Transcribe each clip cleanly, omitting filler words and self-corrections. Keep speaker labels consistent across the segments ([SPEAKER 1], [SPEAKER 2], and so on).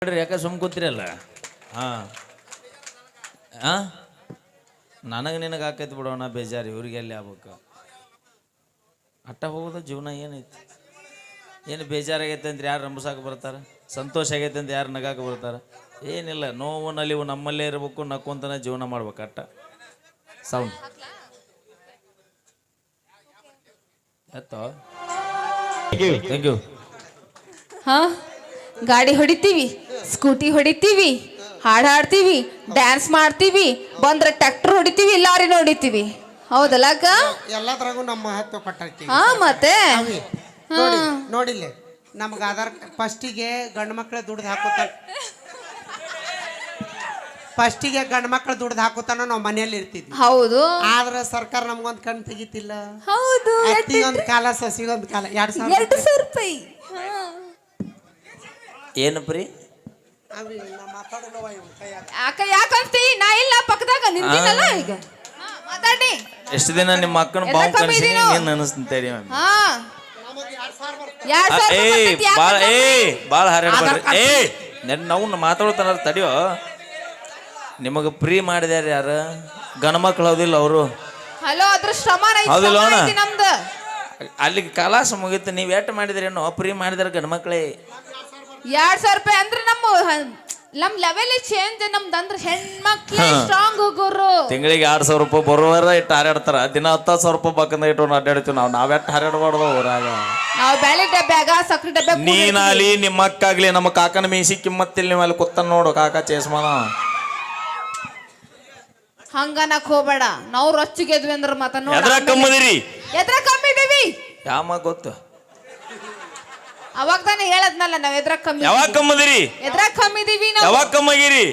[SPEAKER 1] ಯಾಕೆ ಸುಮ್ ಕೂತಿರಲ್ಲ? ಹಾ ಹಾ ನನಗೆ ನಿನಗೆ ಹಾಕೈತಿ ಬಿಡೋಣ ಬೇಜಾರು, ಇವ್ರಿಗೆ ಎಲ್ಲಿ ಆಗ್ಬೇಕು? ಅಟ್ಟ ಹೋಗೋದು ಜೀವನ ಏನೈತಿ? ಏನು ಬೇಜಾರಾಗೈತೆ ಅಂತ ಯಾರು ರಂಬಸಾಕ ಬರ್ತಾರೆ? ಸಂತೋಷ ಆಗೈತೆ ಅಂತ ಯಾರು ನಗಾಕ ಬರ್ತಾರೆ? ಏನಿಲ್ಲ, ನೋವು ನಲಿವು ನಮ್ಮಲ್ಲೇ ಇರಬೇಕು, ನಕ್ಕೊಂತನ ಜೀವನ ಮಾಡ್ಬೇಕು ಅಟ್ಟ. ಸೌಂಡ್ ಎತ್ತೋ. Thank you.
[SPEAKER 2] ಹಾ, ಗಾಡಿ ಹೊಡಿತೀವಿ, ಸ್ಕೂಟಿ ಹೊಡಿತೀವಿ, ಹಾಡು ಹಾಡ್ತೀವಿ, ಡ್ಯಾನ್ಸ್ ಮಾಡ್ತೀವಿ, ಬಂದ್ರೆ ಟ್ರ್ಯಾಕ್ಟರ್ ಹೊಡಿತೀವಿ, ಲಾರಿನ ಹೊಡಿತೀವಿ. ಹೌದಲ್ಲ ಅಕ್ಕ?
[SPEAKER 3] ಎಲ್ಲದ್ರಾಗೂ ನಮ್ಮ ಮಹತ್ವ ಕೊಟ್ಟೈತಿ.
[SPEAKER 2] ಹಾ ಮತ್ತೆ
[SPEAKER 3] ನೋಡಿಲ್ಲ, ನಮ್ಗೆ ಆಧಾರ್ ಫಸ್ಟಿಗೆ ಗಂಡು ಮಕ್ಳು ದುಡ್ದು ಹಾಕುತ್ತಾನ, ಫಸ್ಟಿಗೆ ಗಂಡು ಮಕ್ಳು ದುಡ್ದು ಹಾಕುತ್ತಾನ ನಾವು ಮನೆಯಲ್ಲಿ ಇರ್ತಿದ್ವಿ.
[SPEAKER 2] ಹೌದು.
[SPEAKER 3] ಆದ್ರೆ ಸರ್ಕಾರ ನಮ್ಗೊಂದು ಕಣ್ ತೆಗಿತಿಲ್ಲ.
[SPEAKER 2] ಹೌದು.
[SPEAKER 3] ಅತ್ತಿಗೊಂದು ಕಾಲ ಸಸಿಗೊಂದು ಕಾಲ
[SPEAKER 2] 2,000 ರೂಪಾಯಿ.
[SPEAKER 1] ಏನು ಪ್ರೀ?
[SPEAKER 2] ಯಾಕ ಯಾಕಂತಿ? ನಾ ಇಲ್ಲ ಪಕ್ಕದಾಗ ನಿಂತಿನಲ್ಲ ಈಗ. ಮಾತಾಡಿ.
[SPEAKER 1] ಎಷ್ಟು ದಿನ ನಿಮ್ಮ ಅಕ್ಕನ ಬಾವು ಕನಸಿನಿ ನೀನು ಅನಿಸ್ತಂತೇಳಿ.
[SPEAKER 2] ಹಾ, 2,000
[SPEAKER 1] ಭಾಳ ಹಾರಾಡ್ಬೇಡ್ರಿ. ನಾವು ಮಾತಾಡ್ತಾನ ತಡಿಯೋ. ನಿಮಗೆ ಫ್ರೀ ಮಾಡಿದ್ಯಾರ ಯಾರು? ಗಣ ಮಕ್ಳು ಹೌದಿಲ್ಲ ಅವರು?
[SPEAKER 2] ಹಲೋ, ಅದ್ರ ಶ್ರಮ
[SPEAKER 1] ಹೌದಿಲ್ಲ ಅಣ್ಣ?
[SPEAKER 2] ನಮ್ದು
[SPEAKER 1] ಅಲ್ಲಿಗೆ ಕಲಾಸ ಮುಗೀತು. ನೀವು ಎಷ್ಟು ಮಾಡಿದ್ರೇನೋ ಫ್ರೀ ಮಾಡಿದಾರೆ ಗಣ ಮಕ್ಳೇ.
[SPEAKER 2] 2,000 ರೂಪಾಯಿ ಅಂದ್ರೆ ನಮ್ ಲೆವೆಲ್ ಚೇಂಜ್. ನಮ್ದು ಅಂದ್ರೆ ಹೆಣ್ಮಕ್ಳು ಸ್ಟ್ರಾಂಗ್ ಹೋಗೋರು.
[SPEAKER 1] ತಿಂಗಳಿಗೆ 2,000 ರೂಪಾಯಿ ಬರುವಾರ ಇಟ್ಟು ಹಾರಾಡ್ತಾರ. ದಿನ 10,000 ರೂಪಾಯಿ ಬಕ್ಕಂದ ಇಟ್ಟು ಅಡ್ಡಾಡ್ತೀವಿ ನಾವು. ನಾವೆಟ್ಟು ಹಾರಾಡ್ಬಾರ್ದು ಊರಾಗ.
[SPEAKER 2] ನಾವು ಬೆಳೆ ಡಬ್ಬ್ಯಾಗ ಸಕ್ರೆ ಡಬ್ಬ.
[SPEAKER 1] ನೀನಾಗ್ಲಿ ನಿಮ್ಮ ಅಕ್ಕಾಗ್ಲಿ ನಮ್ಮ ಕಾಕನ ಮೀಸಿ ಕಿಮ್ಮತ್ತಿಲ್ಲ. ನೀವು ಅಲ್ಲಿ ಕೂತ ನೋಡು ಕಾಕ ಚೇಸ್ಮಾನ.
[SPEAKER 2] ಹಂಗನಕ್ ಹೋಗ್ಬೇಡ. ನಾವು ರೊಚ್ಚಿಗೆದ್ವಿ ಅಂದ್ರೆ ಮತ್ತ
[SPEAKER 1] ಎದ್ರ ಕಮ್ಮದಿರಿ?
[SPEAKER 2] ಎದ್ರ ಕಮ್ಮಿದೀವಿ?
[SPEAKER 1] ಯಾಮ ಗೊತ್ತು?
[SPEAKER 2] ಅವಾಗ ತಾನೇ ಹೇಳದ್ನಲ್ಲ ನಾವ್ ಎದ್ರ ಕಮ್ಮಿ.
[SPEAKER 1] ಯಾವಾಗ ಕಮ್ಮದಿರಿ?
[SPEAKER 2] ಎದ್ರ ಕಮ್ಮಿದೀವಿ ನಾವು.
[SPEAKER 1] ಯಾವಾಗ ಕಮ್ಮಗಿರಿ?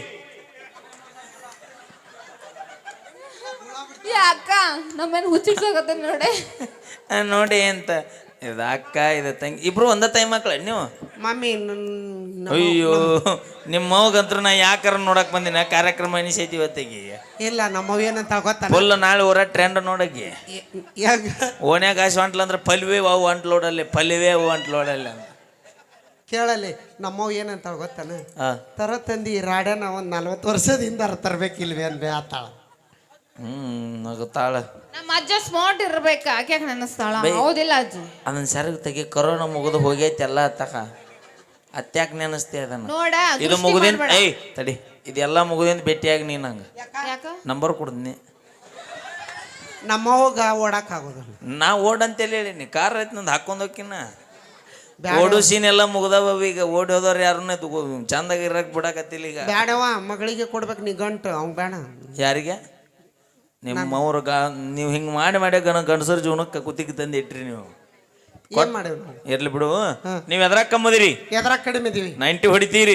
[SPEAKER 2] ಅಕ್ಕ ನಮ್ಮೇನ್ ಹುಚ್ಚಿಡ್ಸೋಗತ್ತ ನೋಡಿ.
[SPEAKER 1] ನೋಡಿ ಅಂತ ಇದು ಅಕ್ಕ ಇದು ತಂಗಿ ಇಬ್ರು ಒಂದ ತಾಯಿ ಮಕ್ಳ ನೀವು?
[SPEAKER 3] ಮಮ್ಮಿ
[SPEAKER 1] ಅಯ್ಯೋ, ನಿಮ್ಮ ಮಗಂತ್ರ ನಾ ಯಾಕಾರ ನೋಡಕ್ ಬಂದಿನ ಕಾರ್ಯಕ್ರಮ ಎನಿಸೈತಿ ಇವತ್ತಿಗೆ.
[SPEAKER 3] ಇಲ್ಲ, ನಮ್ಮವ್ ಏನಂತ ಗೊತ್ತ?
[SPEAKER 1] ಫುಲ್ ನಾಳೆ ಊರ ಟ್ರೆಂಡ್ ನೋಡಕ್ಕೆ. ಓಣ್ಯಾಗ ಆಸೆ ಹೊಂಟ್ಲ ಅಂದ್ರೆ ಪಲ್ವೇ ಅವು ಅಂಟ್ಲೋಡಲ್ಲಿ, ಪಲ್ವೇ ಅವು ಅಂಟ್ಲೋಡಲ್ಲಿ ಅಂತ
[SPEAKER 3] ಕೇಳಲಿ. ನಮ್ಮವ್ ಏನಂತ ಗೊತ್ತಾನ? ತರ ತಂದಿ ರಾಡ್ಯಾನ ಒಂದ್ 40 ವರ್ಷದಿಂದ ತರ್ಬೇಕಿಲ್ವೇ ಅನ್ಬೇ ಆತಾಳ.
[SPEAKER 1] ನಗುತ್ತಾಳ.
[SPEAKER 2] ನಮ್ಮ ಅಜ್ಜ ಸ್ಮಾರ್ಟ್ ಇರ್ಬೇಕ. ಆಕೆ ನೆನಸ್ತಾಳ. ಹೌದಿಲ್ಲ ಅಜ್ಜಿ?
[SPEAKER 1] ಅದನ್ನ ಸರಗ್ ತೆಗಿ. ಕೊರೋನಾ ಮುಗಿದು ಹೋಗೈತಿ ಎಲ್ಲ ತಕ. ಅತ್ಯಾಕ ನೆನಸ್ತಿ ಅದನ್ನ?
[SPEAKER 2] ನೋಡ,
[SPEAKER 1] ಇದು ಮುಗಿದಿಂದ ತಡಿ, ಇದೆಲ್ಲ ಮುಗಿದಿಂದ ಭೇಟಿಯಾಗಿ ನೀನ್ ಹಂಗ
[SPEAKER 2] ಯಾಕ
[SPEAKER 1] ನಂಬರ್ ಕೊಡ್ತೀನಿ.
[SPEAKER 3] ನಮ್ಮವ್ಗ ಓಡಾಕ್ ಆಗೋದಿಲ್ಲ.
[SPEAKER 1] ನಾ ಓಡಂತೇಳಿ ಹೇಳಿನಿ. ಕಾರ್ ಐತಿ ನಂದು ಹಾಕೊಂಡ್ ಹೋಗಿನ. ಓಡು ಸೀನ್ ಎಲ್ಲ ಮುಗ್ದವ ಈಗ. ಓಡಿ ಹೋದವ್ರು ಯಾರನ್ನ ಚಂದಾಗ ಇರಕ್ ಬಿಡಾಕತ್ತಿಲ್ಲ ಈಗ.
[SPEAKER 3] ಬ್ಯಾಡವ, ಮಗಳಿಗೆ ಕೊಡ್ಬೇಕು ನೀ ಗಂಟು. ಅವ್ನು ಬೇಡ.
[SPEAKER 1] ಯಾರಿಗೆ? ನಿಮ್ಮವ್ರ ನೀವು ಹಿಂಗೆ ಮಾಡಿ ಗಂಡಸರ ಜೀವನಕ್ಕೆ ಕುತ್ತಿಗೆ ತಂದು ಇಟ್ರಿ ನೀವು.
[SPEAKER 3] ಏನ್ ಮಾಡೇವ್ ನಾವು?
[SPEAKER 1] ಇರ್ಲಿ ಬಿಡು. ನೀವು ಎದ್ರಾಗ ಕಮ್ಮದಿರಿ?
[SPEAKER 3] ಎದ್ರಾಗ ಕಡಿಮೆ ಇದೀವಿ.
[SPEAKER 1] 90 ಹೊಡಿತೀರಿ?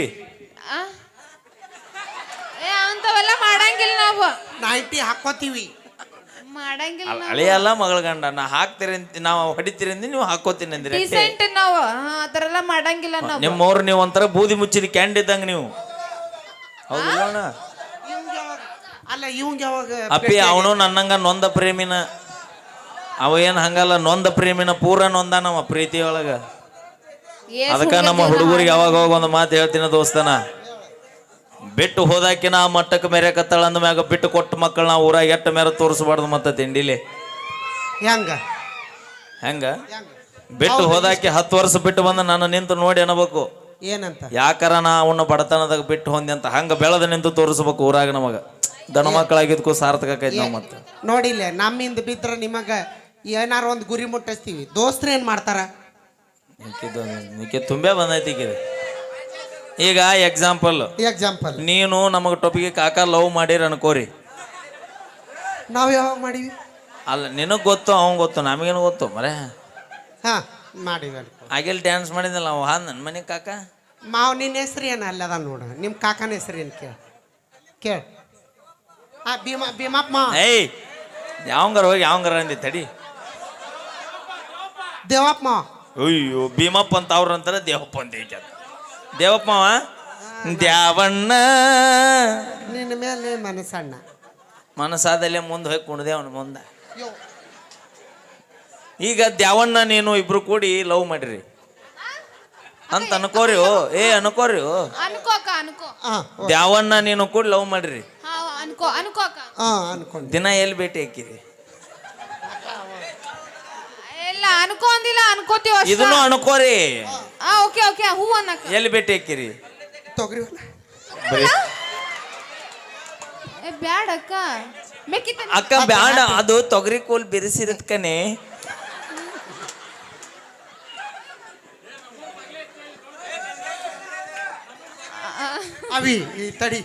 [SPEAKER 2] ಅಂತವೆಲ್ಲ ಮಾಡಂಗಿಲ್ಲ ನಾವು.
[SPEAKER 3] 90 ಹಾಕೋತೀವಿ.
[SPEAKER 2] ಮಾಡಂಗಿಲ್ಲ.
[SPEAKER 1] ಅಳಿಯಲ್ಲ ಮಗಳ ಗಂಡ. ನಾ ಹಾಕ್ತೀರಿ ಅಂತ ನಾವು ಹೊಡಿತೀರಿ ಅಂದಿ, ನೀವು ಹಾಕೋತೀನಿ ಅಂದಿರಿ.
[SPEAKER 2] ಡಿಸೆಂಟ್ ನಾವು ಆತರ ಎಲ್ಲ ಮಾಡಂಗಿಲ್ಲ ನಾವು.
[SPEAKER 1] ನಿಮ್ಮವ್ರು ನೀವು ಒಂಥರ ಬೂದಿ ಮುಚ್ಚಿದ ಕ್ಯಾಂಡ್ ಇದ್ದಂಗ ನೀವು. ಹೌದಿಲ್ಲ?
[SPEAKER 3] ಅಲ್ಲ, ಇವಂಗ ಯಾವಾಗ
[SPEAKER 1] ಅಪ್ಪಿ ಅವನು ನನ್ನಂಗ ನೊಂದ ಪ್ರೇಮಿನ. ಅವ ಏನ್ ಹಂಗಲ್ಲ, ನೊಂದ ಪ್ರೇಮಿನ ಪೂರ ನೊಂದ ನಮ್ಮ ಪ್ರೀತಿಯೊಳಗ. ಅದಕ್ಕ ನಮ್ಮ ಹುಡುಗರಿಗೆ ಯಾವಾಗ ಹೋಗ ಒಂದು ಮಾತು ಹೇಳ್ತೀನಿ ದೋಸ್ತನ. ಬಿಟ್ಟು ಹೋದಾಕಿನ ಆ ಮಟ್ಟಕ್ಕೆ ಮೆರೆಕತ್ತಾಳ ಅಂದ ಮ್ಯಾಗ ಬಿಟ್ಟು ಕೊಟ್ಟ ಮಕ್ಕಳು ನಾವು ಊರಾಗ ಎಟ್ಟ ಮೇರೆ ತೋರಿಸ್ಬಾರ್ದು. ಮತ್ತೆ ತಿಂಡಿಲಿ ಹೆಂಗ ಬಿಟ್ಟು ಹೋದಾಕಿ 10 ವರ್ಷ ಬಿಟ್ಟು ಬಂದ ನಾನು ನಿಂತು ನೋಡಿ ಅನ್ನಬೇಕು.
[SPEAKER 3] ಏನಂತ?
[SPEAKER 1] ಯಾಕಾರ ನಾ ಅವನ್ನ ಬಡತನದಾಗ ಬಿಟ್ಟು ಹೊಂದಿ ಅಂತ ಹಂಗ ಬೆಳೆದ ನಿಂತು ತೋರಿಸ್ಬೇಕು ಊರಾಗ. ನಮಗ ದನ ಮಕ್ಕಳಾಗಿದ್ಕೂ ಸಾರ್ಥಕ ಆಕೈತಿ ನಾವು. ಮತ್ತೆ
[SPEAKER 3] ನೋಡಿಲ್ಲ, ನಮ್ಮಿಂದ ಬಿದ್ರ ನಿಮಗ ಏನಾರ ಒಂದು ಗುರಿ ಮುಟ್ಟಿಸ್ತೀವಿ. ದೋಸ್ತ್ರ ಏನ್ ಮಾಡ್ತಾರ?
[SPEAKER 1] ತುಂಬೇ ಬಂದೈತಿ ಈಗ. ಎಕ್ಸಾಂಪಲ್ ನೀನು ನಮಗ ಟೊಪಿಗೆ ಕಾಕ ಲವ್ ಮಾಡಿರ ಅನ್ಕೋರಿ.
[SPEAKER 3] ನಾವ್ ಯಾವಾಗ ಮಾಡಿವಿ?
[SPEAKER 1] ಅಲ್ಲ, ನಿನಗ್ ಗೊತ್ತು, ಅವಂಗ ಗೊತ್ತು, ನಮಗೇನು ಗೊತ್ತು ಮರೆ.
[SPEAKER 3] ಹಾ, ಮಾಡಿವಿ.
[SPEAKER 1] ಆಗಿಲ್ ಡ್ಯಾನ್ಸ್ ಮಾಡಿದ್ನಲ್ಲ ಅವ ನನ್ನ ಮನೆ ಕಾಕ.
[SPEAKER 3] ಮಾವ್, ನಿನ್ನ ಹೆಸ್ರು ಏನ ಅಲ್ಲದ ನೋಡ. ನಿಮ್ಮ ಕಾಕನ ಹೆಸ್ರು ಏನು? ಕೇಳ. ಭೀಮಪ್ಪ.
[SPEAKER 1] ಏಯ್, ಯಾವಂಗಾರ ಹೋಗಿ ಯಾವಂಗಾರ ಅಂದಿ ತಡಿ.
[SPEAKER 3] ದೇವಪ್ಪ.
[SPEAKER 1] ಅಯ್ಯೋ, ಭೀಮಪ್ಪ ಅಂತ ಅವ್ರ ಅಂತಾರ, ದೇವಪ್ಪ ಅಂತ ಈಗ. ದೇವಪ್ಪ ದ್ಯಾವಣ್ಣ.
[SPEAKER 3] ನಿನ್ನ ಮೇಲೆ ಮನಸ್ಸಣ್ಣ.
[SPEAKER 1] ಮನಸ್ಸಾದಲ್ಲೇ ಮುಂದೆ ಹೋಗಿ ಕುಣ್ದೆ ಅವನ ಮುಂದೆ. ಈಗ ದ್ಯಾವಣ್ಣ ನೀನು ಇಬ್ರು ಕೂಡಿ ಲವ್ ಮಾಡಿರಿ. ಅಂತ ಅನ್ಕೋರಿ ಅನ್ಕೋರಿ
[SPEAKER 2] ಅನ್ಕೋ ಅಕ್ಕ ಅನ್ಕೋ.
[SPEAKER 3] ಹಾಂ
[SPEAKER 1] ದ್ಯಾವಣ್ಣ ನೀನು ಕೂಡ ಲವ್ ಮಾಡ್ರಿ.
[SPEAKER 2] ಹಾ ಅನ್ಕೋ ಅನ್ಕೋ ಅಕ್ಕ.
[SPEAKER 3] ಹಾಂ ಅನ್ಕೊಂಡು
[SPEAKER 1] ದಿನ ಎಲ್ಲಿ ಭೇಟಿ ಹಾಕಿರಿ?
[SPEAKER 2] ಎಲ್ಲ ಅನ್ಕೋ ಅಂದಿಲ್ಲ, ಅನ್ಕೋತೀವಿ ಅಷ್ಟೇ.
[SPEAKER 1] ಇದನ್ನು ಅನ್ಕೋರಿ.
[SPEAKER 2] ಓಕೆ ಓಕೆ, ಹೂ ಅನ್ನಕ್ಕ.
[SPEAKER 1] ಎಲ್ಲಿ ಭೇಟಿ ಹಾಕಿರಿ?
[SPEAKER 3] ತೊಗರಿ ಹೊಲ.
[SPEAKER 1] ಬರೀ
[SPEAKER 2] ಬ್ಯಾಡ ಅಕ್ಕ, ಮೆಕ್ಕಿತ
[SPEAKER 1] ಅಕ್ಕ ಬ್ಯಾಡ, ಅದು ತೊಗರಿ ಕೋಲ್ ಬಿರಿಸಿರತ್ ಕನೆ.
[SPEAKER 3] ಅವಿ ಈ ತಡಿ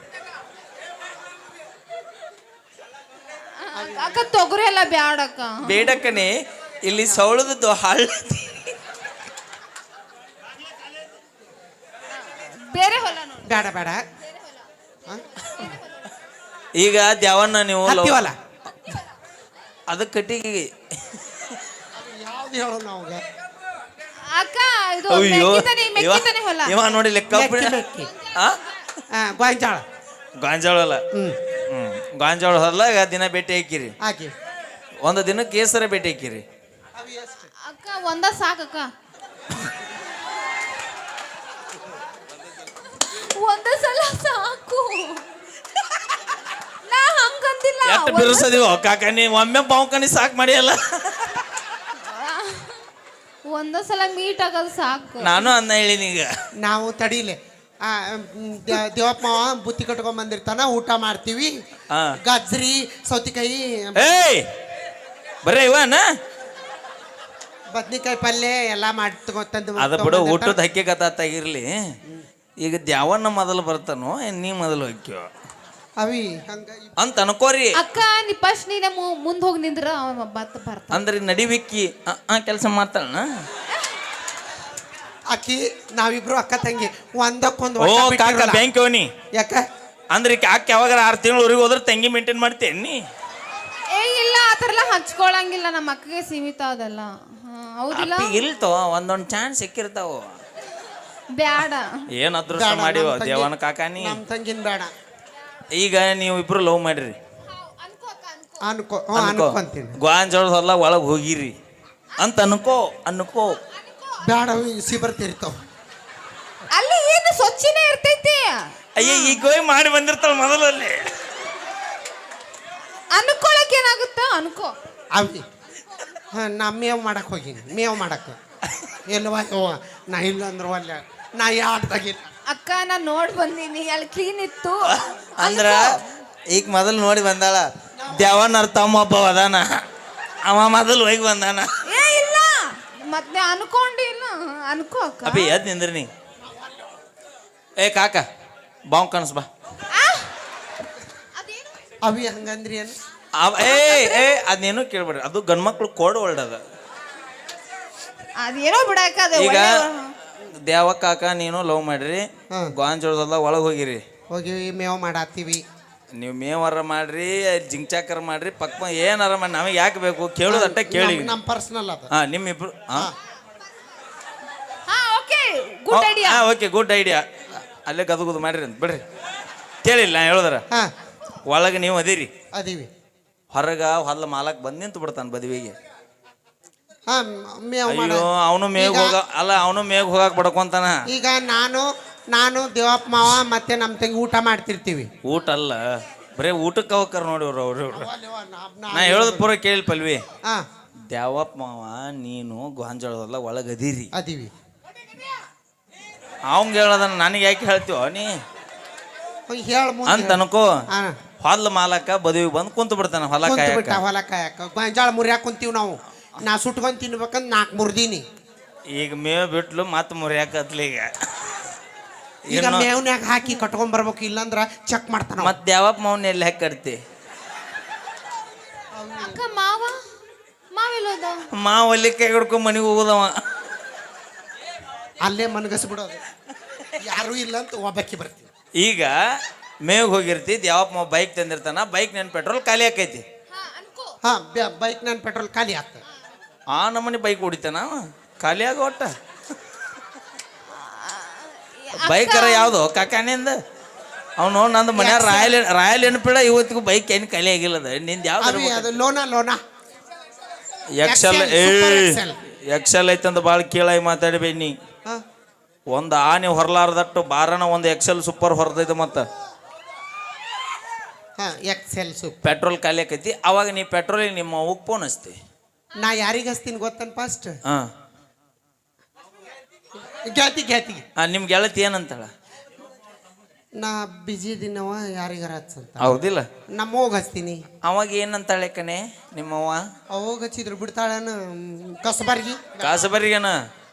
[SPEAKER 2] ಅಕ್ಕ ತೊಗರಿ ಎಲ್ಲ ಬ್ಯಾಡ ಅಕ್ಕ.
[SPEAKER 1] ಬೇಡಕ್ಕನೆ, ಇಲ್ಲಿ ಸೌಳದದ್ದು ಹಳ್ಳ.
[SPEAKER 2] ಬೇರೆ ಹೊಲ ನೋಡಿ.
[SPEAKER 3] ಬೇಡ ಬೇಡ.
[SPEAKER 1] ಈಗ ದ್ಯಾವಣ್ಣ ನೀವು
[SPEAKER 3] ಹತ್ತಿ ಹೊಲ.
[SPEAKER 1] ಅದ ಕಟ್ಟಿಗೆ
[SPEAKER 3] ಯಾವ್ದು ಹೇಳೋ ನಾವ್ಗೆ?
[SPEAKER 2] ಅಕ್ಕ ಇದು ಮೆಕ್ಕಿತನೆ ಹೊಲ.
[SPEAKER 1] ಇವ ನೋಡಿ ಲೆಕ್ಕ
[SPEAKER 3] ಮೆಕ್ಕಿ. ಗೋಂಜಾಳ.
[SPEAKER 1] ಗಾಂಜಾಳ ಹೊಲ. ಗಾಂಜಾಳ ಹೊಲ್ದಾಗ ದಿನ ಭೇಟಿ ಹಾಕಿರಿ.
[SPEAKER 3] ಹಾಕಿ
[SPEAKER 1] ಒಂದು ದಿನಕ್ಕೆ ಕೇಸರ ಭೇಟಿ ಹಾಕಿರಿ.
[SPEAKER 2] ಅಕ್ಕ ಒಂದ ಸಾಕಕ್ಕ. ಒಂದ ಸಲ ಸಾಕು. ನಾ ಹಂಗಂದಿಲ್ಲ.
[SPEAKER 1] ಎಷ್ಟು ಬಿರುಸದಿವೋ ಕಾಕ, ನೀ ಒಮ್ಮೆ ಬಾವ್ಕನಿ ಸಾಕು ಮಾಡಿಯಲ್ಲ.
[SPEAKER 2] ಒಂದ ಸಲ ಮೀಟ್ ಆಗೋದು ಸಾಕು.
[SPEAKER 1] ನಾನು ಅನ್ನ ಹೇಳಿನಿ. ಈಗ
[SPEAKER 3] ನಾವು ತಡೀಲೆ ದೇವಪ್ಪ ಮಾವ ಬುತ್ತಿ ಕಟ್ಕೊಂಡ್ ಬಂದಿರ್ತಾನ, ಊಟ ಮಾಡ್ತೀವಿ. ಗಜ್ರಿ ಸೌತಿಕಾಯಿ
[SPEAKER 1] ಏಯ್ ಬರೇ ಇವನ
[SPEAKER 3] ಬದ್ನಿಕಾಯಿ ಪಲ್ಯ ಎಲ್ಲ ಮಾಡಿ ತಗೊಂತಂದು
[SPEAKER 1] ಅದ ಬಿಡು, ಊಟದ ಹಕ್ಕಿ ಕಥಾತಾಗಿರ್ಲಿ. ಈಗ ದ್ಯಾವಣ್ಣ ಮೊದಲು ಬರ್ತಾನೋ ನೀ ಮೊದಲು ಹಕ್ಕಿಯೋ
[SPEAKER 3] ಅವಿ ಹಂಗ
[SPEAKER 1] ಅಂತ ಅನ್ಕೋರಿ.
[SPEAKER 2] ಅಕ್ಕ ನೀ ಫಸ್ಟ್ ನೀನೆ ಮುಂದ್ ಹೋಗಿ ನಿಂದ್ರ ಅವ ಬರ್ತಾನ.
[SPEAKER 1] ಅಂದ್ರೆ ನಡಿವಿಕ್ಕಿ ಕೆಲಸ ಮಾಡ್ತಾಳ.
[SPEAKER 3] ಆಕಿ ನಾವಿಬ್ರು ಅಕ್ಕ ತಂಗಿ ಒಂದಕ್ಕೊಂದು
[SPEAKER 1] ಓ ಕಾಕ ಬ್ಯಾಂಕ್ ಅವನಿ.
[SPEAKER 3] ಯಾಕ
[SPEAKER 1] ಅಂದ್ರೆ ಅಕ್ಕ ಯಾವಾಗ 6 ತಿಂಗಳು ಊರಿಗೆ ಹೋದ್ರೆ ತಂಗಿ ಮೇಂಟೈನ್ ಮಾಡ್ತೇನೆ ನೀ?
[SPEAKER 2] ಇಲ್ಲ ಆತರ ಎಲ್ಲ ಹಚ್ಕೊಳಂಗಿಲ್ಲ, ನಮ್ಮ ಅಕ್ಕಗೆ ಸೀಮಿತ ಅದಲ್ಲ. ಹೌದಿಲ್ಲ?
[SPEAKER 1] ಇಲ್ತೋ ಒಂದೊಂದು ಚಾನ್ಸ್ ಸಿಕ್ಕಿರ್ತಾವ.
[SPEAKER 2] ಬ್ಯಾಡ.
[SPEAKER 1] ಏನ್ ಅದೃಷ್ಟ ಮಾಡಿವ ದೇವನ ಕಾಕಾನಿ.
[SPEAKER 3] ನಮ್ ತಂಗಿನ ಬೇಡ.
[SPEAKER 1] ಈಗ ನೀವು ಇಬ್ರು ಲವ್ ಮಾಡ್ರಿ
[SPEAKER 3] ಅನ್ಕೋ ಅನ್ಕೊಂತೀನಿ.
[SPEAKER 1] ಗೋಂಜಾಳ ಹೊಲ ಒಳಗೆ ಹೋಗಿರಿ ಅಂತ ಅನ್ಕೋ.
[SPEAKER 3] ಬೇಡ ಸಿ ಬರ್ತಿರ್ತಾವ.
[SPEAKER 2] ಅಲ್ಲಿ ಏನು ಸ್ವಚ್ಛನೇ ಇರ್ತೈತಿ.
[SPEAKER 1] ಅಯ್ಯ ಈಗ ಹೋಗಿ ಮಾಡಿ ಬಂದಿರ್ತಾಳ ಮೊದಲಲ್ಲಿ.
[SPEAKER 2] ಅನ್ಕೊಳಕ್ ಏನಾಗುತ್ತ ಅನ್ಕೋ.
[SPEAKER 3] ಅವಿ ನಾ ಮೇವ್ ಮಾಡಕ್ ಹೋಗಿನಿ, ಮೇವ್ ಮಾಡಕ್ ಎಲ್ವಾ ನಾ ಇಲ್ಲ ಅಂದ್ರೆ ಒಲ್ಲ ನಾ ಯಾಡ್ದಾಗಿಲ್ಲ.
[SPEAKER 2] ಅಕ್ಕ ನಾ ನೋಡ್ ಬಂದೀನಿ, ಅಲ್ಲಿ ಕ್ಲೀನ್ ಇತ್ತು.
[SPEAKER 1] ಅಂದ್ರ ಈಗ ಮೊದಲು ನೋಡಿ ಬಂದಾಳ. ದ್ಯಾವಣ್ಣರ ತಮ್ಮ ಒಬ್ಬ ಅದಾನ, ಅವ ಮೊದಲು ಹೋಗಿ ಬಂದಾನ.
[SPEAKER 2] ಇಲ್ಲ ಮತ್ತೆ ಅನ್ಕೊಂಡಿಲ್ಲ, ಅನ್ಕೋ ಅಕ್ಕ.
[SPEAKER 1] ಅಪ್ಪಿ ಎದ್ ನಿಂದ್ರಿ ನೀ. ಏ ಕಾಕ ಬಾವ್ ಕನಸ್ ಬಾ.
[SPEAKER 3] ಅವಿ ಹಂಗಂದ್ರಿ ಏನು?
[SPEAKER 1] ಅದೇನು ಕೇಳ್ಬೇಡ್ರಿ, ಅದು ಗಂಡ್ಮಕ್ಳು ಕೋಡ್ ವರ್ಡ್ ಅದ.
[SPEAKER 2] ಅದೇನೋ ಬಿಡಾಕ.
[SPEAKER 1] ಈಗ ದ್ಯಾವ ಕಾಕ ನೀನು ಲವ್ ಮಾಡ್ರಿ, ಗೋಂಜಾಳದ ಒಳಗೆ ಹೋಗಿರಿ.
[SPEAKER 3] ಹೋಗಿವಿ ಮೇವ್ ಮಾಡಾತೀವಿ.
[SPEAKER 1] ನೀವು ಮೇವರ ಮಾಡ್ರಿ, ಜಿಂಚಾಕರ ಮಾಡ್ರಿ, ಪಕ್ಕ ಏನಾರ ಮಾಡಿ ನಮಗೆ ಯಾಕೆ ಬೇಕು ಕೇಳೋದಟ್ಟ ಕೇಳಿ.
[SPEAKER 3] ನಮ್ಮ ಪರ್ಸನಲ್ ಅದ.
[SPEAKER 1] ನಿಮ್ಮಿಬ್ರು ಓಕೆ ಗುಡ್ ಐಡಿಯಾ. ಅಲ್ಲೇ ಗದಗುದು ಮಾಡ್ರಿ ಅಂತ ಬಿಡ್ರಿ. ಕೇಳಿಲ್ಲ ನಾ ಹೇಳೋದ್ರ. ಒಳಗೆ ನೀವು ಅದೀರಿ,
[SPEAKER 3] ಅದೀವಿ.
[SPEAKER 1] ಹೊರಗ ಹೊಲ ಮಾಲಕ್ ಬಂದು ನಿಂತು ಬಿಡ್ತಾನೆ ಬದುವಿಗೆ.
[SPEAKER 3] ಅಯ್ಯೋ
[SPEAKER 1] ಅವನು ಮೇಗ್ ಹೋಗ ಅಲ್ಲ, ಅವನು ಮೇಗ್ ಹೋಗಕ್ ಬಡ್ಕೊಂತಾನ.
[SPEAKER 3] ಈಗ ನಾನು ದೇವಪ್ಪ ಮಾವ ಮತ್ತೆ ನಮ್ಮ ತಂಗಿ ಊಟ ಮಾಡ್ತಿರ್ತೀವಿ.
[SPEAKER 1] ಊಟ ಅಲ್ಲ, ಬರೇ ಊಟಕ್ಕೆ ಹೋಗ್ತಾರ ನೋಡಿ ಅವ್ರು. ನಾ ಹೇಳೋದು ಪೂರ ಕೇಳಿ ಪಲ್ವಿ. ದ್ಯಾವಪ್ಪ ಮಾವ ನೀನು ಗೋಂಜಾಳದಲ್ಲ ಒಳಗೆ
[SPEAKER 3] ಅದೀವಿ.
[SPEAKER 1] ಅವಂಗ ಹೇಳೋದನ್ನ ನನಗೆ ಯಾಕೆ ಹೇಳ್ತೀವ ನೀ ಅಂತ ಅನ್ಕೋ. ಹೊಲ ಮಾಲಕ ಬದುವಿಗೆ ಬಂದು ಕುಂತು ಬಿಡ್ತಾನ ಹೊಲ
[SPEAKER 3] ಕಾಯಕ. ಗೋಂಜಾಳ ಮುರಿಯಾಕ ಕುಂತೀವಿ ನಾವು. ನಾ ಸುಟ್ಕೊಂಡ್ ತಿನ್ಬೇಕಂದ್ 4 ಮುರ್ದೀನಿ.
[SPEAKER 1] ಈಗ ಮೇವ್ ಬಿಟ್ಲು ಮತ್ತೆ ಮುರಿಯಾಕತ್ಲಿ.
[SPEAKER 3] ಈಗ ಮೇವ್ನ್ಯಾಗ ಹಾಕಿ ಕಟ್ಕೊಂಡ್ ಬರ್ಬೇಕು, ಇಲ್ಲಂದ್ರ ಚೆಕ್ ಮಾಡ್ತಾನ.
[SPEAKER 1] ಮತ್ತೆ ದ್ಯಾವಪ್ಪ ಮಾವನ ಎಲ್ಲಿ ಹಾಕಿ ಕಟ್ತಿ? ಮಾವ ಅಲ್ಲಿ ಕೈ ಹಿಡ್ಕೊಂಡ್ ಮನೆಗೆ ಹೋಗೋದವ.
[SPEAKER 3] ಅಲ್ಲೇ ಮನಗಸ್ ಬಿಡೋದು, ಯಾರು ಇಲ್ಲ ಅಂತ ಒಬ್ಬಾಕಿ ಬರ್ತೀವಿ.
[SPEAKER 1] ಈಗ ಮೇವ್ ಹೋಗಿರ್ತಿ, ದ್ಯಾವಪ್ಪ ಮಾವ ಬೈಕ್ ತಂದಿರ್ತಾನ, ಬೈಕ್ ನನ್ನ ಪೆಟ್ರೋಲ್ ಖಾಲಿ ಆಕೈತಿ.
[SPEAKER 3] ಬೈಕ್ ನನ್ನ ಪೆಟ್ರೋಲ್ ಖಾಲಿ ಆಗ್ತದೆ.
[SPEAKER 1] ಆ ನಮ್ಮನೆ ಬೈಕ್ ಹೊಡಿತಾನ ಖಾಲಿ ಆಗ ಒಟ್ಟ. ಬೈಕರ ಯಾವ್ದು ಕಾಕಾನಿಂದ ಅವನು ನಂದು ಮನ್ಯಾಗ ರಾಯಲ್ ಎನ್ಫೀಲ್ಡ್ ಇವತ್ತಿಗೂ ಬೈಕ್ ಏನು ಖಾಲಿ ಆಗಿಲ್ಲದ. ನಿಂದ ಯಾವ್ದು?
[SPEAKER 3] ಲೋನಾ
[SPEAKER 1] ಎಕ್ಸೆಲ್ ಐತಂದ ಭಾಳ ಕೀಳಾಗಿ ಮಾತಾಡಬೇಡಿ ನೀ. ಒಂದು ಆನೆ ಹೊರಲಾರ್ದಟ್ಟು ಬಾರನ ಒಂದು ಎಕ್ಸೆಲ್ ಸೂಪರ್ ಹೊರದೈತೆ ಮತ್ತು
[SPEAKER 3] ಹಾ ಎಕ್ಸೆಲ್ ಸೂಪ್.
[SPEAKER 1] ಪೆಟ್ರೋಲ್ ಖಾಲಿ ಆಕೈತಿ. ಅವಾಗ ನೀ ಪೆಟ್ರೋಲಿಗೆ ನಿಮ್ಮ ಅವ್ಗೆ ಫೋನ್ ಹಚ್ತಿ.
[SPEAKER 3] ನಾ ಯಾರಿಗೆ ಹಚ್ತೀನಿ ಗೊತ್ತನ್ ಫಸ್ಟ್?
[SPEAKER 1] ಹಾಂ
[SPEAKER 3] ಗೆಳತಿ
[SPEAKER 1] ನಿಮ್ಮ ಗೆಳತಿ ಏನಂತಾಳ?
[SPEAKER 3] ನಾ ಬಿಜಿ ದಿನವ ಯಾರಿಗಾರ ಹಚ್ಚಂತ.
[SPEAKER 1] ಹೌದಿಲ್ಲ?
[SPEAKER 3] ನಮ್ಮವ್ಗ ಹಚ್ತೀನಿ.
[SPEAKER 1] ಅವಾಗ ಏನಂತಾಳೆ ಕಣೆ ನಿಮ್ಮವ್ವ?
[SPEAKER 3] ಅವಾಗ ಹಚ್ಚಿದ್ರು ಬಿಡ್ತಾಳನ ಕಸಬರ್ಗಿ
[SPEAKER 1] ಕಾಸಬರಿಗನ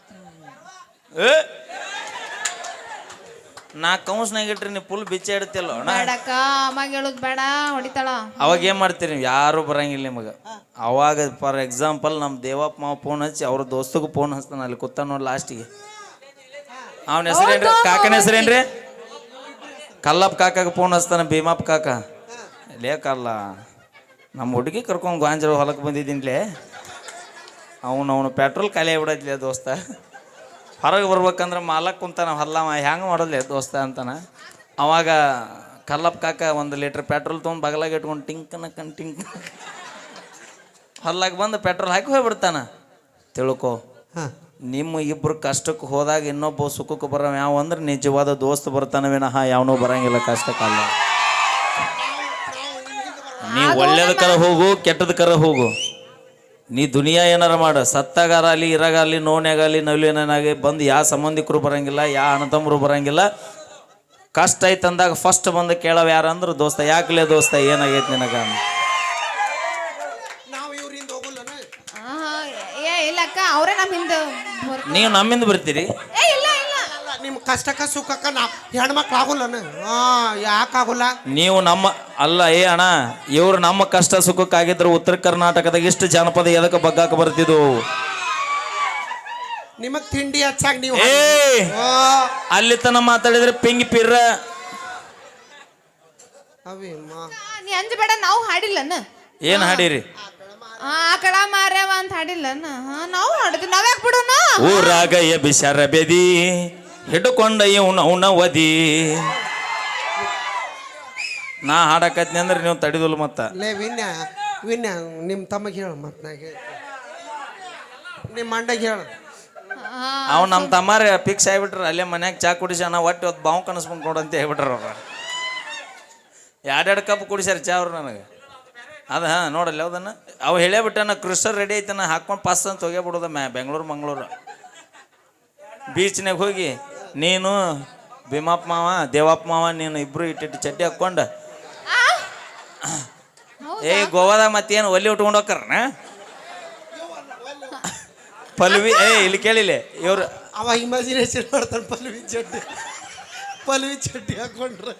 [SPEAKER 1] ನಾ ಕೌನ್ಸ್ನಾಗ ಇಟ್ರಿ ನೀವು ಫುಲ್ ಬಿಚ್ಚ ಇಡ್ತಿಲ್ಲ ಅಣ್ಣ.
[SPEAKER 2] ಬೇಡಕ್ಕ ಅಮ್ಮಗೆ ಹೇಳೋದು ಬೇಡ, ಹೊಡಿತಾಳ.
[SPEAKER 1] ಅವಾಗ ಏನು ಮಾಡ್ತೀರಿ? ಯಾರು ಬರಂಗಿಲ್ಲ ನಿಮಗೆ. ಅವಾಗ ಫಾರ್ ಎಕ್ಸಾಂಪಲ್ ನಮ್ಮ ದೇವಪ್ಪ ಮಾವ ಫೋನ್ ಹಚ್ಚಿ ಅವ್ರ ದೋಸ್ತಗೂ ಫೋನ್ ಹಚ್ತಾನ, ಅಲ್ಲಿ ಕೂತ ನೋಡಿ ಲಾಸ್ಟಿಗೆ. ಅವನ ಹೆಸರೇನ್ರಿ? ಕಾಕನ ಹೆಸರೇನ್ರಿ? ಕಲ್ಲಪ್ಪ ಕಾಕಾಗ ಫೋನ್ ಹಚ್ತಾನ, ಭೀಮಪ್ಪ ಕಾಕ. ಲೇಕಲ್ಲ ನಮ್ಮ ಹುಡುಗಿ ಕರ್ಕೊಂಡು ಗಾಂಜರ ಹೊಲಕ್ಕೆ ಬಂದಿದ್ದೀನಿಲೇ, ಅವನು ಪೆಟ್ರೋಲ್ ಖಾಲಿ ಆಗ್ಬಿಡತ್ಲೆ ದೋಸ್ತ, ಹೊರಗೆ ಬರ್ಬೇಕಂದ್ರೆ ಮಾಲಕ್ ಕುಂತಾನ ಹೊಲ್ಲವ, ಹೆಂಗೆ ಮಾಡೋದ್ಲೆ ದೋಸ್ತ ಅಂತಾನ. ಅವಾಗ ಕಲ್ಲಪ್ಪ ಕಾಕ 1 ಲೀಟ್ರ್ ಪೆಟ್ರೋಲ್ ತೊಗೊಂಡು ಬಗಲಾಗ ಇಟ್ಕೊಂಡು ಟಿಂಕ್ ಹೊಲ್ಲಾಗ ಬಂದು ಪೆಟ್ರೋಲ್ ಹಾಕಿ ಹೋಗ್ಬಿಡ್ತಾನ. ತಿಳ್ಕೊ, ನಿಮ್ಮ ಇಬ್ರು ಕಷ್ಟಕ್ಕೆ ಹೋದಾಗ ಇನ್ನೊಬ್ಬ ಸುಖಕ್ಕೆ ಬರೋ ಯಾವ ಅಂದ್ರೆ ನಿಜವಾದ ದೋಸ್ತ್ ಬರ್ತಾನೆ ವಿನಃ ಯಾವನೂ ಬರಂಗಿಲ್ಲ ಕಷ್ಟಕ್ಕಲ್ಲ. ನೀ ಒಳ್ಳೇದಕ್ಕರ ಹೋಗು, ಕೆಟ್ಟದಕ್ಕರ ಹೋಗು. ನೀ ದುನಿಯಾ ಏನಾರ ಮಾಡ, ಸತ್ತಾಗಾರಲ್ಲಿ ಇರಾಗಲಿ ನೋನ್ಯಾಗಲಿ ನವಲಿನಾಗಿ ಬಂದು ಯಾವ ಸಂಬಂಧಿಕರು ಬರಂಗಿಲ್ಲ, ಯಾವ ಅಣ್ಣತಮ್ಮರು ಬರಂಗಿಲ್ಲ. ಕಷ್ಟ ಐತಂದಾಗ ಫಸ್ಟ್ ಬಂದು ಕೇಳವ ಯಾರಂದ್ರೆ ದೋಸ್ತ. ಯಾಕಲೇ ದೋಸ್ತ ಏನಾಗೈತೆ ನಿನಗ?
[SPEAKER 2] ಇಲ್ಲಕ್ಕ ಅವರೇ ನಮ್ಮ ಹಿಂದೆ.
[SPEAKER 1] ನೀವು ನಮ್ಮಿಂದ ಬರ್ತೀರಿ?
[SPEAKER 2] ಇಲ್ಲ ಇಲ್ಲ,
[SPEAKER 3] ನಿಮ್ಮ ಕಷ್ಟಕ್ಕ ಸುಖಕ್ಕ ನಾ ಹೆಣ್ಮಕ್ಳು ಆಗುಲ್ಲನ? ಯಾಕಾಗುಲ್ಲ?
[SPEAKER 1] ನೀವು ನಮ್ಮ ಅಲ್ಲ ಅಣ್ಣ, ಇವ್ರು ನಮ್ಮ ಕಷ್ಟ ಸುಖಕ್ಕಾಗಿದ್ರು ಉತ್ತರ ಕರ್ನಾಟಕದಾಗ ಇಷ್ಟು ಜನಪದ ಎದಕ್ಕೆ ಬಗ್ಗಾಕ ಬರ್ತಿದ್ವು?
[SPEAKER 3] ನಿಮಗ್ ತಿಂಡಿ ಹಚ್ಚಾಗ ನೀವು
[SPEAKER 1] ಅಲ್ಲಿ ತನ ಮಾತಾಡಿದ್ರೆ ಪಿಂಗಿ ಪಿರ್ರ
[SPEAKER 2] ನೀ ಅಂಜಬೇಡ, ನಾವು ಹಾಡಿಲ್ಲನ.
[SPEAKER 1] ಏನ್ ಹಾಡಿರಿ?
[SPEAKER 2] ಆಕಳ ಮಾರ್ಯವ ಅಂತ ಹಾಡಿಲ್ಲನ. ನಾವು ಹಾಡಿದ್ವಿ, ನಾವ್ಯಾಕೆ ಬಿಡೋಣ?
[SPEAKER 1] ಊರಾಗ ಬಿಸರ ಬೆದಿ ಹಿಡ್ಕೊಂಡ ಇವನ ವದಿ. ನಾ ಹಾಡಕತ್ನಿ ಅಂದ್ರೆ ನೀವು ತಡಿದಲ್ಲ. ಮತ್ತ
[SPEAKER 3] ಲೇ ವಿನ್ಯ ನಿಮ್ಮ ತಮಗೆ ಹೇಳು, ಮತ್ ನಾ ನಿಮ್ಮ ಮಂಡಗೆ ಹೇಳು.
[SPEAKER 1] ಅವ್ ನಮ್ಮ ತಮ್ಮಾರ ಫಿಕ್ಸ್ ಆಗಿಬಿಟ್ರ, ಅಲ್ಲೇ ಮನ್ಯಾಗ ಚಾ ಕುಡಿಸಿ ನಾ ಒಟ್ಟು ಹೊತ್ತು ಬಾವು ಕನಸ್ಕೊಂಡು ಕೊಡು ಅಂತ ಹೇಳ್ಬಿಟ್ರ ಅವ್ರ. 2 ಕಪ್ ಕುಡಿಸ್ಯಾರ ಚಾ ಅವ್ರು ನನಗೆ. ಅದ ನೋಡಲ್ಲ ಯಾವ್ದನ್ನ ಅವು ಹೇಳೇ ಬಿಟ್ಟಾನ, ಕ್ರಿಸ್ಟರ್ ರೆಡಿ ಐತನ ಹಾಕೊಂಡು ಪಾಸ್ ಅಂತ ಹೋಗ್ಯಾಬಿಡೋದ ಬೆಂಗಳೂರು ಮಂಗಳೂರು ಬೀಚ್ನಾಗ ಹೋಗಿ ನೀನು ಭೀಮಪ್ಪ ಮಾವ ದೇವಪ್ಪ ಮಾವ ನೀನು ಇಬ್ರು ಇಟ್ಟಿಟ್ಟು ಚಡ್ಡಿ ಹಾಕ್ಕೊಂಡು ಗೋವಾದಾಗ ಮತ್ತೇನು ಒಲ್ಲಿ ಉಟ್ಕೊಂಡು ಹೋಗ್ತಾರನ ಪಲ್ವಿ. ಇಲ್ಲಿ ಕೇಳಿಲ್ಲ ಇವ್ರು
[SPEAKER 3] ಅವ ಇಮ್ಯಾಜಿನೇಷನ್ ಮಾಡ್ತಾನೆ. ಪಲ್ವಿ ಚಡ್ಡಿ ಹಾಕೊಂಡ್ರೆ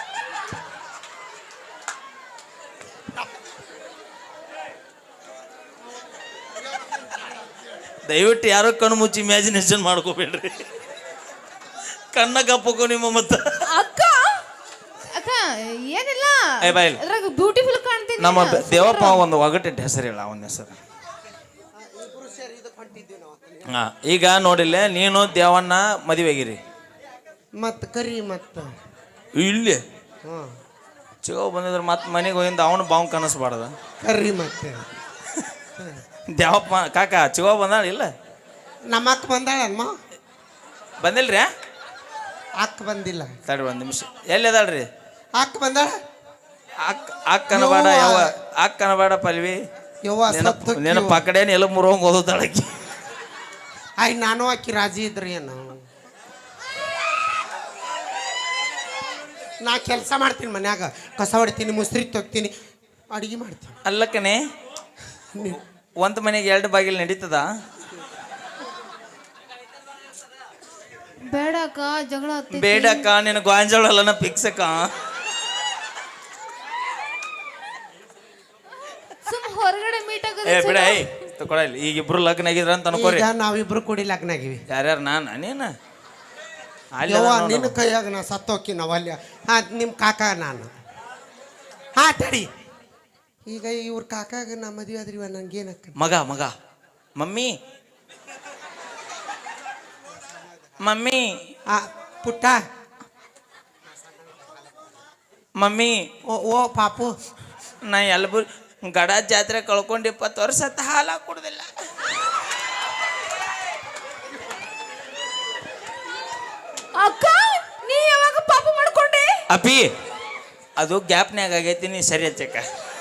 [SPEAKER 1] ದಯವಿಟ್ಟು ಯಾರೋ ಕಣ್ಣು ಮುಚ್ಚಿ ಇಮ್ಯಾಜಿನೇಷನ್ ಮಾಡ್ಕೋಬೇಡ್ರಿ. ಕಣ್ಣ ಕಪ್ಪಕು ನಿಮ್ಮ ಮತ್ತ.
[SPEAKER 2] ಅಕ್ಕ ಅಕ್ಕ ಏನಿಲ್ಲ,
[SPEAKER 1] ಬಾಯಿಲ್
[SPEAKER 2] ಬ್ಯೂಟಿಫುಲ್ ಕಾಣ್ತೀನಿ.
[SPEAKER 1] ನಮ್ಮ ದೇವಪ್ಪ ಒಂದು ಒಗಟಿಟ್ಟು ಹೆಸರು ಹೇಳ, ಅವನ ಹೆಸರು. ಈಗ ನೋಡಿಲ್ಲ, ನೀನು ದೇವಣ್ಣ ಮದುವೆಗಿರಿ
[SPEAKER 3] ಮತ್ ಕರಿ ಮತ್ತ
[SPEAKER 1] ಇಲ್ಲಿ ಚಿಗೋ ಬಂದಿದ್ರೆ ಮತ್ತೆ ಮನೆಗೆ ಹೋಗಿಂದ ಅವನು ಬಾವು ಕನಸ್ಬಾರ್ದ.
[SPEAKER 3] ಕರಿ ಮತ್ತೆ
[SPEAKER 1] ದೇವಪ್ಪ ಕಾಕ ಚಿಗೋ ಬಂದಾಳ ಇಲ್ಲ?
[SPEAKER 3] ನಮ್ಮ ಅಕ್ಕ ಬಂದಾಳಮ್ಮ.
[SPEAKER 1] ಬಂದಿಲ್ರಿ?
[SPEAKER 3] ಅಕ್ಕ ಬಂದಿಲ್ಲ.
[SPEAKER 1] ತಡ್ರಿ 1 ನಿಮಿಷ. ಎಲ್ಲಿ ಅದಾಳ್ರಿ?
[SPEAKER 3] ಅಕ್ಕ ಬಂದಾಳ.
[SPEAKER 1] ಅಕ್ಕನ ಬೇಡ ಯಾವ ಅಕ್ಕನ ಬೇಡ ಪಲ್ವಿ. ನಿನ್ನ ಪಕಡೇನು ಎಲ್ಲ ಮುರೋಂಗ್ ಓದೋದಾಳಕ್ಕಿ.
[SPEAKER 3] ನಾನು ಅಕ್ಕಿ ರಾಜಿ ಇದ್ರಿ ಏನು? ನಾ ಕೆಲಸ ಮಾಡ್ತೀನಿ ಮನ್ಯಾಗ, ಕಸ ಹೊಡಿತೀನಿ, ಮುಸ್ರಿ ತೊಗ್ತೀನಿ, ಅಡಿಗೆ ಮಾಡ್ತೀನಿ.
[SPEAKER 1] ಅಲ್ಲಕ್ಕನೆ ಒಂದು ಮನೆಗೆ 2 ಬಾಗಿಲು ನಡೀತದ?
[SPEAKER 2] ಬೇಡಕ್ಕ, ಜಗಳ
[SPEAKER 1] ಬೇಡಕ್ಕ, ನಿನ್ನ ಗಾಂಜಾಳಲ್ಲನ ಫಿಕ್ಸ್ ಅಕ್ಕ.
[SPEAKER 2] ಹೊರಗಡೆ ಮೀಟ್
[SPEAKER 1] ಬಿಡ ತಗೊಳ್ಳಿ. ಈಗ ಇಬ್ರು ಲಗ್ನ ಆಗಿದ್ರ ಅಂತ ಅನ್ಕೋರಿ.
[SPEAKER 3] ನಾವಿಬ್ರು ಕೂಡಿ ಲಗ್ನ ಆಗಿವಿ.
[SPEAKER 1] ಯಾರ್ಯಾರು? ನೀನು
[SPEAKER 3] ನಿನ್ನ ಕೈಯಾಗ ನಾ ಸತ್ತೋಕಿ ನಾವಲ್ಯ. ನಿಮ್ಮ ಕಾಕ ನಾನು. ತಡಿ, ಈಗ ಇವ್ರ ಕಾಕಾಗ ನಾ ಮದುವೆ ಆದ್ರಿವ, ನಂಗೇನಕ್ಕ?
[SPEAKER 1] ಮಗ ಮಮ್ಮಿ
[SPEAKER 3] ಪುಟ್ಟ
[SPEAKER 1] ಮಮ್ಮಿ.
[SPEAKER 3] ಓ ಪಾಪು,
[SPEAKER 1] ನಾ ಎಲ್ಬರ್ ಗಡ ಜಾತ್ರೆ ಕಳ್ಕೊಂಡು 20 ವರ್ಷ ಹಾಲು ಕುಡ್ದಿಲ್ಲ. ಅಪಿ ಅದು ಗ್ಯಾಪ್ನ್ಯಾಗ ಆಗೈತಿ, ನೀ ಸರಿ ಹಚ್ಚಕ್ಕ.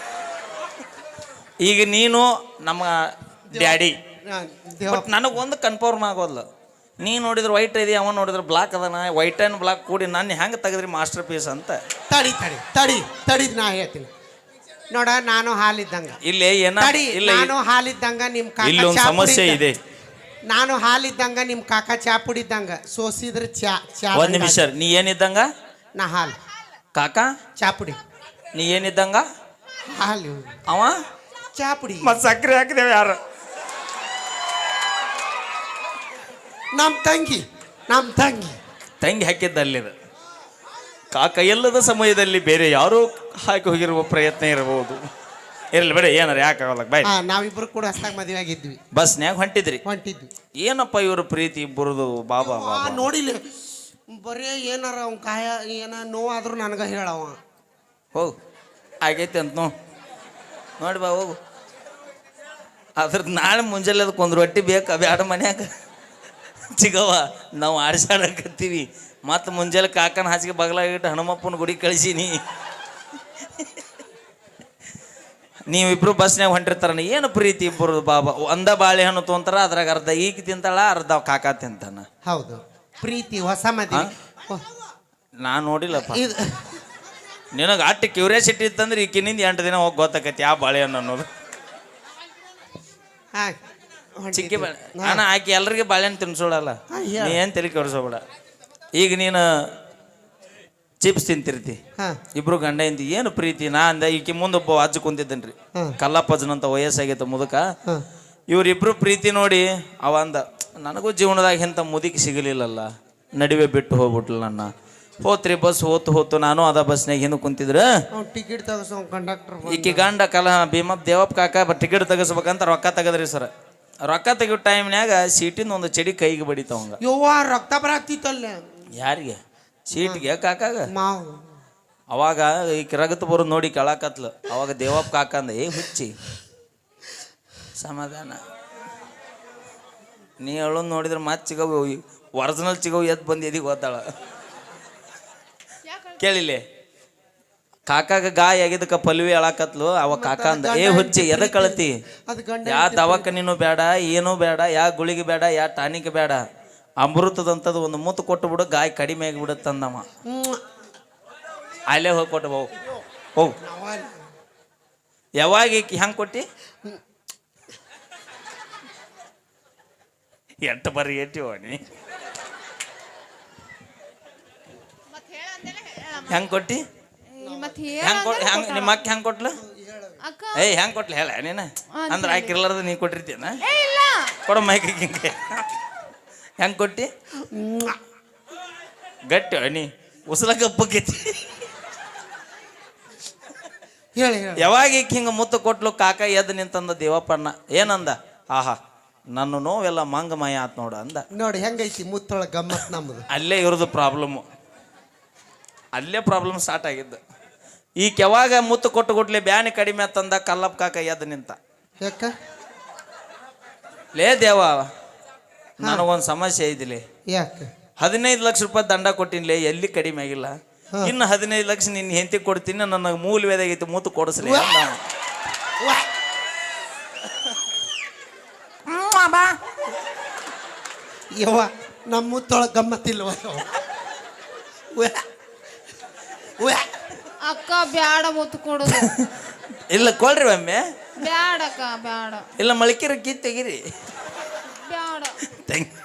[SPEAKER 1] ಈಗ ನೀನು ನಮ್ಮ ಡ್ಯಾಡಿ, ಬಟ್ ನನಗೊಂದು ಕನ್ಫರ್ಮ್ ಆಗೋಲ್ಲ. ನೀ ನೋಡಿದ್ರೆ ವೈಟ್ ಇದೆ, ಅವ ನೋಡಿದ್ರೆ ಬ್ಲಾಕ್ ಅದನ. ವೈಟ್ ಆ್ಯಂಡ್ ಬ್ಲಾಕ್ ಕೂಡಿ ನಾನು ಹೆಂಗೆ ತೆಗೆದ್ರಿ ಮಾಸ್ಟರ್ ಪೀಸ್ ಅಂತ.
[SPEAKER 3] ತಡಿ ನಾ ಹೇಳ್ತೀನಿ ನೋಡ. ನಾನು ಹಾಲಿದ್ದಂಗ
[SPEAKER 1] ಇಲ್ಲಿ
[SPEAKER 3] ನಾನು ಹಾಲಿದ್ದಂಗ ನಿಮ್
[SPEAKER 1] ಇಲ್ಲಿ ಒಂದು
[SPEAKER 3] ಕಾಕ
[SPEAKER 1] ಸಮಸ್ಯೆ ಇದೆ.
[SPEAKER 3] ನಾನು ಹಾಲಿದ್ದಂಗ ನಿಮ್ ಕಾಕ ಚಾ ಪುಡಿದ್ದಂಗ ಸೋಸಿದ್ರೆ ಚಾ ಚಾ.
[SPEAKER 1] ಒಂದ್ ನಿಮಿಷ, ನೀ ಏನಿದ್ದಂಗ?
[SPEAKER 3] ನಾ ಹಾಲು.
[SPEAKER 1] ಕಾಕ
[SPEAKER 3] ಚಾ ಪುಡಿ.
[SPEAKER 1] ನೀ ಏನಿದ್ದಂಗ?
[SPEAKER 3] ಹಾಲು.
[SPEAKER 1] ಅವ
[SPEAKER 3] ಚಾ ಪುಡಿ.
[SPEAKER 1] ಮತ್ ಸಕ್ಕರೆ ಹಾಕಿದೇವ ಯಾರು?
[SPEAKER 3] ನಮ್ಮ ತಂಗಿ
[SPEAKER 1] ತಂಗಿ ಹಾಕಿದ್ದ ಅಲ್ಲಿದ. ಕಾಕ ಎಲ್ಲದ ಸಮಯದಲ್ಲಿ ಬೇರೆ ಯಾರೋ ಹಾಕಿ ಹೋಗಿರುವ ಪ್ರಯತ್ನ ಇರಬಹುದು. ಇರಲಿ ಬೇಡ, ಏನಾರ ಯಾಕೆ ಆಗಲ್ಲ. ಬಾಯ್.
[SPEAKER 3] ನಾವಿಬ್ರು ಕೂಡ ಹೊಸ್ದಾಗಿ ಮದುವೆ ಆಗಿದ್ವಿ.
[SPEAKER 1] ಬಸ್ನ್ಯಾಗ ಹೊಂಟಿದ್ವಿ. ಏನಪ್ಪ ಇವ್ರ ಪ್ರೀತಿ ಇಬ್ಬರದು? ಬಾಬಾ
[SPEAKER 3] ನೋಡಿಲ್ಲ, ಬರೀ ಏನಾರ ಅವ್ನ ಕಾಯ ಏನ ನೋವಾದ್ರೂ ನನಗೆ ಹೇಳವ.
[SPEAKER 1] ಹೋಗು ಆಗೈತೆ ಅಂತ ನೋಡಿ ಬಾ ಹೋಗು. ಅದ್ರದ್ದು ನಾಳೆ ಮುಂಜಾನೆ ಅದಕ್ಕೆ ರೊಟ್ಟಿ ಬೇಕು ಬ್ಯಾಡ ಮನ್ಯಾಗ ಚಿಗವ. ನಾವು ಆಡ್ಸಾಡಕತ್ತೀವಿ. ಮತ್ತು ಮುಂಜಾನೆ ಕಾಕನ ಹಾಸಿಗೆ ಬಗಲಾಗಿಟ್ಟು ಹನುಮಪ್ಪನ ಗುಡಿ ಕಳಿಸೀನಿ. ನೀವಿಬ್ರು ಬಸ್ನ್ಯಾಗ ಹೊಂಟಿರ್ತಾರ. ಏನು ಪ್ರೀತಿ ಇಬ್ಬರು? ಬಾಬಾ ಒಂದ ಬಾಳೆಹಣ್ಣು ತೊಂತಾರ, ಅದ್ರಾಗ ಅರ್ಧ ಈಗ ತಿಂತಾಳ, ಅರ್ಧ ಕಾಕ ತಿಂತಾನ.
[SPEAKER 3] ಹೌದು, ಪ್ರೀತಿ ಹೊಸ ಮದುವೆ.
[SPEAKER 1] ನಾನು ನೋಡಿಲ್ಲಪ್ಪ. ನಿನಗೆ ಅಟ್ಟು ಕ್ಯೂರಿಯಾಸಿಟಿ ಇತ್ತಂದ್ರೆ ಈಕಿನಿಂದ 8 ದಿನ ಹೋಗಿ ಗೊತ್ತಾಕೈತಿ ಯಾವ ಬಾಳೆಹಣ್ಣು ಅನ್ನೋದು. ಚಿಕ್ಕಿ ಬಾಳೆ ಅಣ್ಣ ಆಕಿ ಎಲ್ರಿಗೆ ಬಾಳೆಹಣ್ಣು ತಿನ್ಸೋಳಲ್ಲ. ನೀ ಏನು ತಲೆ ಕೆಡಿಸೋಬೇಡ. ಈಗ ನೀನು ಚಿಪ್ಸ್ ತಿಂತಿರ್ತಿ, ಇಬ್ರು ಗಂಡ ಇಂತಿ. ಏನು ಪ್ರೀತಿ? ನಾ ಅಂದ ಈಕಿ ಮುಂದೊಬ್ಬ ಅಜ್ಜ ಕುಂತಿದ್ದೇನ್ರಿ, ಕಲ್ಲಪ್ಪಜ್ಜನಂತ ವಯಸ್ಸಾಗೈತೆ ಮುದುಕ. ಇವ್ರಿಬ್ರು ಪ್ರೀತಿ ನೋಡಿ ಅವ ಅಂದ, ನನಗೂ ಜೀವನದಾಗ ಇಂಥ ಮುದುಕಿ ಸಿಗಲಿಲ್ಲಲ್ಲ, ನಡುವೆ ಬಿಟ್ಟು ಹೋಗ್ಬಿಟ್ಲು ನನ್ನ. ಹೋತ್ರಿ ಬಸ್ ಹೋತು ನಾನು ಅದ ಬಸ್ನಾಗ ಹಿಂದೆ ಕುಂತಿದ್ರ.
[SPEAKER 3] ಟಿಕೆಟ್ ತಗಸೋ ಕಂಡಕ್ಟರ್
[SPEAKER 1] ಈಕಿ ಗಂಡ ಭೀಮಪ್ಪ ದೇವಪ್ಪ ಕಾಕ ಟಿಕೆಟ್ ತೆಗಸ್ಬೇಕಂತ ರೊಕ್ಕ ತೆಗದ್ರಿ ಸರ್. ರೊಕ್ಕ ತೆಗಿಯೋ ಟೈಮ್ನ್ಯಾಗ ಸೀಟಿಂದ ಒಂದು ಚಡಿ ಕೈಗೆ ಬಡಿತಾವಂಗ.
[SPEAKER 3] ಯವ್ವ ರಕ್ತ ಬರಾಕ್ತಿತ್ತಲ್ಲ.
[SPEAKER 1] ಯಾರಿಗೆ? ಸೀಟ್ಗೆ ಕಾಕಾಗ.
[SPEAKER 3] ಮಾವು
[SPEAKER 1] ಅವಾಗ ಈಗ ರಗತ್ ಬರೋದು ನೋಡಿ ಕೆಳಕತ್ಲು. ಅವಾಗ ದೇವಪ್ಪ ಕಾಕ ಅಂದ, ಏ ಹುಚ್ಚಿ ಸಮಾಧಾನ, ನೀ ಹೇಳೋದು ನೋಡಿದ್ರೆ ಮತ್ತೆ ಚಿಗವು ಒರಿಜಿನಲ್ ಚಿಗವು ಎದ್ದು ಬಂದು ಎದಿಗೆ ಓದ್ತಾಳ. ಕೇಳಿಲ್ಲ, ಕಾಕಾಗ ಗಾಯ ಆಗಿದ್ದಕ್ಕ ಪಲ್ವಿ ಅಳಾಕತ್ಲು. ಅವ ಕಾಕ ಅಂದ, ಏ ಹುಚ್ಚಿ ಎದಕ್ಕೆ ಅಳತಿ? ಯಾ ದವಾಖಾನಿನೂ ಬೇಡ, ಏನೂ ಬೇಡ, ಯಾ ಗುಳಿಗೆ ಬೇಡ, ಯಾ ಟಾನಿಕ್ ಬೇಡ, ಅಮೃತದಂಥದ್ದು ಒಂದು ಮುತ್ತು ಕೊಟ್ಟು ಬಿಡು, ಗಾಯ ಕಡಿಮೆ ಆಗಿಬಿಡುತ್ತಂದಮ್ಮ. ಅಲ್ಲೇ ಹೋಗಿ ಕೊಟ್ಟು ಹೋಗು. ಯಾವಾಗ ಹೆಂಗೆ ಕೊಟ್ಟಿ? ಎಟ್ಟು ಬರ್ರಿ ಏಟಿವ ನೀ ಹೆಂಗೆ ಕೊಟ್ಟಿ? ನಿಮ್ಮ ಅಕ್ಕ ಹೆಂಗೆ ಕೊಟ್ಲು? ಏಯ್ ಹೆಂಗೆ ಕೊಟ್ಲು ಹೇಳ ನೀನು? ಅಂದ್ರೆ ಆಕಿರ್ಲಾರ್ದು ನೀ ಕೊಟ್ಟಿರ್ತೀನ? ಕೊಡ ಮೈಕಿ ಹಿಂಗೆ ಹೆಂಗೆ ಕೊಟ್ಟಿ? ಗಟ್ಟಿ ನೀ ಉಸಲ ಗಪ್ಪಕ್ಕೈತಿ. ಯಾವಾಗ ಹಿಂಗೆ ಮುತ್ತು ಕೊಟ್ಲು ಕಾಕ ಎದ್ದು ನಿಂತಂದ ದೇವಪ್ಪಣ್ಣ. ಏನಂದ? ಆಹಾ ನನ್ನ ನೋವೆಲ್ಲ ಮಂಗಮಯ ಆತ್ ನೋಡು ಅಂದ.
[SPEAKER 3] ನೋಡಿ ಹೆಂಗೈತಿ ಮುತ್ತೊಳ ಗಮ್ಮತ್ ನಮ್ಮದು.
[SPEAKER 1] ಅಲ್ಲೇ ಇರೋದು ಪ್ರಾಬ್ಲಮ್ಮು, ಅಲ್ಲೇ ಪ್ರಾಬ್ಲಮ್ ಸ್ಟಾರ್ಟ್ ಆಗಿದ್ದು. ಈ ಕೆವಾಗ ಮುತ್ತು ಕೊಟ್ಟು ಕೊಟ್ಲೆ ಬ್ಯಾನಿ ಕಡಿಮೆ ಆತಂದ ಕಲ್ಲಪ್ಪ ಕಾಕ ಎದ್ದು ನಿಂತ.
[SPEAKER 3] ಯಾಕ
[SPEAKER 1] ಲೇ ದೇವ, ನನಗೊಂದು ಸಮಸ್ಯೆ ಐತಿಲಿ.
[SPEAKER 3] ಯಾಕೆ?
[SPEAKER 1] 15 ಲಕ್ಷ ರೂಪಾಯಿ ದಂಡ ಕೊಟ್ಟಿನ್ಲೇ, ಎಲ್ಲಿ ಕಡಿಮೆ ಆಗಿಲ್ಲ. ಇನ್ನು 15 ಲಕ್ಷ ನಿನ್ನ ಹೆಂಡತಿ ಕೊಡ್ತೀನಿ, ನನಗೆ ಮೂಲ ವೇದಾಗೈತಿ ಮುತ್ತು ಕೊಡಿಸ್ಲಿ.
[SPEAKER 3] ಯವ್ವ ನಮ್ಮ ಮುತ್ತೊಳ ಗಮ್ಮತ್ತಿಲ್ವ?
[SPEAKER 2] ಅಕ್ಕ ಬ್ಯಾಡ ಮುತ್ತು ಕೊಡುದು.
[SPEAKER 1] ಇಲ್ಲ ಕೊಡ್ರಿ ಒಮ್ಮೆ.
[SPEAKER 2] ಬ್ಯಾಡಕ್ಕ ಬ್ಯಾಡ.
[SPEAKER 1] ಇಲ್ಲ ಮಳಿಕಿರ ಕಿತ್ ತೆಗಿರಿ.
[SPEAKER 2] ಬ್ಯಾಡ.
[SPEAKER 1] Thank you.